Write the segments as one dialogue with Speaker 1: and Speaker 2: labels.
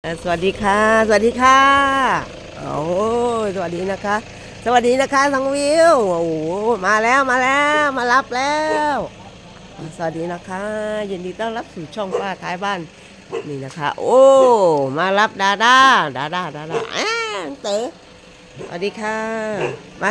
Speaker 1: สวัสดีค่ะสวัสดีค่ะโอ้ยสวัสดีนะคะสวัสดีนะคะน้องวิวโอ้โหมาแล้วมารับแล้วสวัสดีนะคะยินดีต้อนรับสู่ช่องป้าท้ายบ้านนี่นะคะโอ้มารับดาด้าเต๋อสวัสดีค่ะมา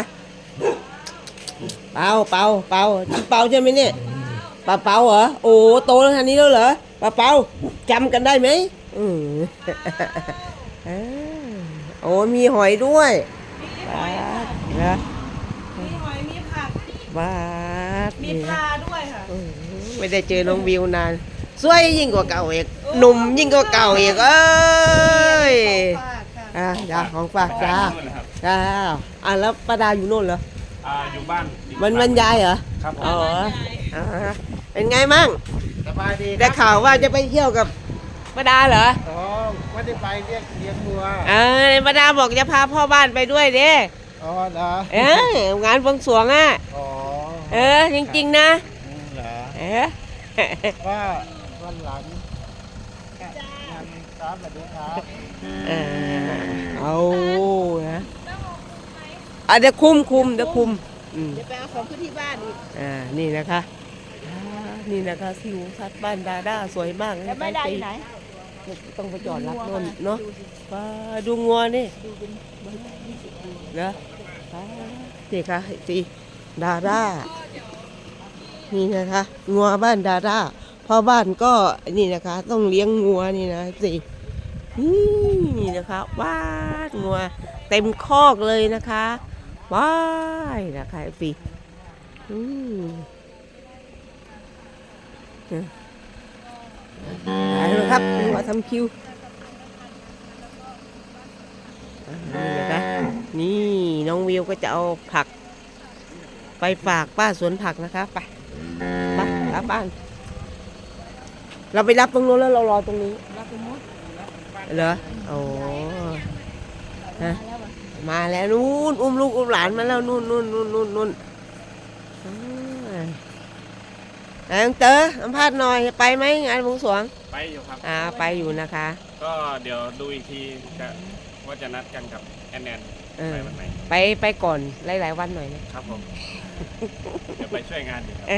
Speaker 1: เปาใช่ไหมเนี่ยเปาเหรอโอ้โตแล้วทันนี้แล้วเหรอเปาจำกันได้ไหมอืม เออโอ้มีหอยด้วยบาสนะ
Speaker 2: มีหอยมีผัก
Speaker 1: บาส
Speaker 2: มี
Speaker 1: นี่นะ
Speaker 2: ปลาด้วยค่ะ
Speaker 1: ไม่ได้เจอน้องวิวนานสวยยิ่งกว่าเก่าอีกหนุ่มยิ่งกว่าเก่าอีกเอ้ย
Speaker 2: ฝากค่ะ
Speaker 1: จ้าของฝากจ้า
Speaker 3: นู่นนะครับ
Speaker 1: จ้าแล้วป้าดาอยู่โน่นเหรอ
Speaker 3: อยู่บ้านอีก
Speaker 1: มันยายเหรอ
Speaker 3: ครับผ
Speaker 1: อ๋อ
Speaker 3: ม
Speaker 1: อ่าเป็นไงมั่ง
Speaker 4: สบายดี
Speaker 1: ได้ข่าวว่าจะไปเที่ยวกับป้าดาเหรอ
Speaker 4: อ๋อไม่ได้ไปเลี้ยงวัว
Speaker 1: ป้าดาบอกจะพาพ่อบ้านไปด้วยเด้
Speaker 4: อ๋อเหรอ
Speaker 1: งานบวงสรวงอ่ะ
Speaker 4: อ๋อ
Speaker 1: จริงๆนะ
Speaker 4: เหรอว่าวันหลังงานครับสวัสดีครับ
Speaker 1: เอานะเดี๋ยวคุมเดี๋ยวคุม
Speaker 2: เดี๋ยวไปเอาของขึ้นที่บ้านอีก
Speaker 1: นี่นะคะนี่นะคะสิวสัตว์บ้านดาด้าสวยมาก
Speaker 2: แล้วไม่ได้ไหน
Speaker 1: ต้องไปจอดรับนนเนาะดูงัวนี่เนาะนี่ค่ะสิดาด้านี่นะคะงัวบ้านดาด้าพ่อบ้านก็นี่นะคะต้องเลี้ยงงัวนี่นะสินี่นะคะว้างัวเต็มคอกเลยนะคะว้ายนะคะสิไปเลยครับมาทำคิวนี่นะคะนี่น้องวิวก็จะเอาผักไปฝากป้าสวนผักนะคะไปรับบ้านเราไปรับตรงนู้นแล้วเรารอตรงนี้
Speaker 2: รับไปหมด
Speaker 1: เหรอโอ้ฮะมาแล้วนู่นอุ้มลูกอุ้มหลานมาแล้วนู่นเต๋อสัมภาษณ์หน่อยไปไหมงานบวงสรวง
Speaker 3: ไปอยู่ครับ
Speaker 1: ไปอยู่นะคะ
Speaker 3: ก็เดี๋ยวดูอีกทีว่าจะนัดกันกับแอนไปวันไหน
Speaker 1: ไปก่อนหลายๆวันหน่อย
Speaker 3: นะครับผมเดี๋ยวไปช่วยงานอยู่ครับ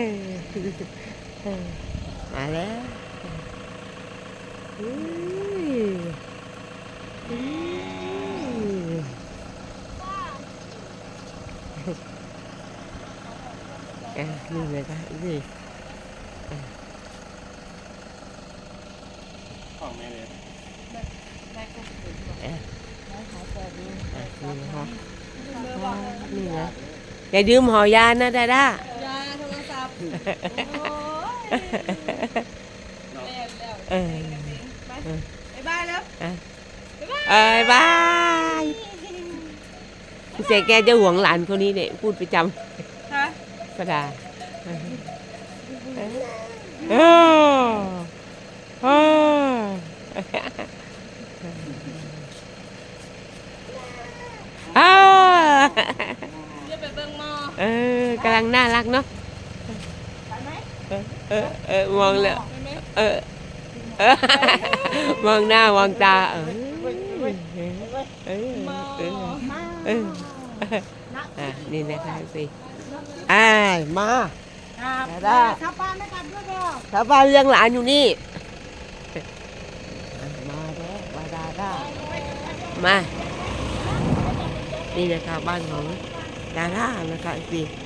Speaker 1: มาแล้วนี่เลยค่ะนี่
Speaker 3: ของแม่เลย
Speaker 1: นี่นะอย่าดื่มหอยานะดาด้าย
Speaker 2: าโทรศัพท์ไปบ้านแล้ว
Speaker 1: บายเจ๊แกจะห่วงหลานคนนี้เนี่ยพูดประจำประดา
Speaker 2: จะไปเบิ่งหม้
Speaker 1: กำลังน่ารักเนาะมองแล้วมองหน้ามองตานี่นะคะสิมาได้
Speaker 2: ชาวบ้านไม่กลับด้วยเปล่า
Speaker 1: ชาวบ้านเลี้ยงหลานอยู่นี่มาแล้วมาได้มานี่นะคะบ้านของดาด้านะคะสิ